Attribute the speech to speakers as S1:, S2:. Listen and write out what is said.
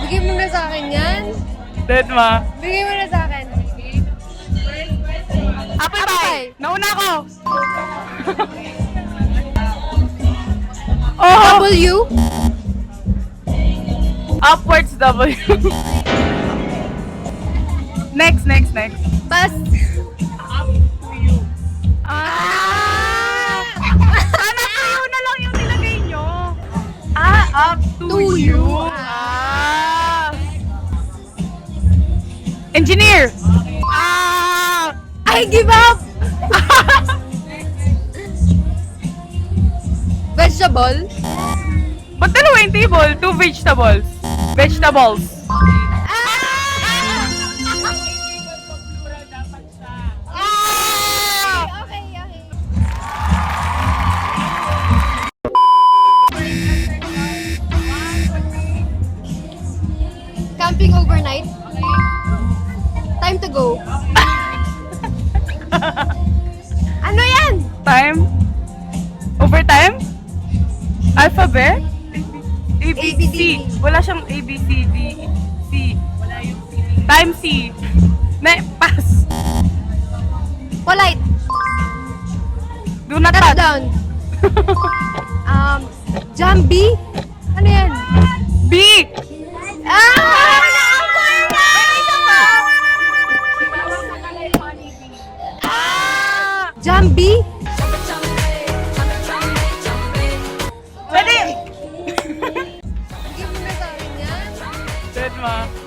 S1: Bigay mo na sa akin yan.
S2: Dead ma.
S1: Bigay mo na sa akin.
S2: Apple pie! Nauna ko! Oh!
S1: W?
S2: Upwards W. Next.
S1: Pass.
S2: Ah! Sana tuyo na lang yung nilagay nyo. Up to you. Engineer!
S1: I give up! Vegetable?
S2: Ba't dalawa yung table? 2 vegetables. Vegetables.
S1: Okay. Camping overnight? Time to go. Ano yan?
S2: Time? Overtime? Alphabet? A, B,
S1: ABCD.
S2: C. Wala siyang A, B, C, D, C. Wala yung C. Time C. Pass.
S1: Polite.
S2: Do not
S1: Cut
S2: touch.
S1: down. Jambi? Ano yan?
S2: B.
S1: Jambi?
S2: Pwede.
S1: Bigyan mo na sa akin yan.
S2: Dead ma.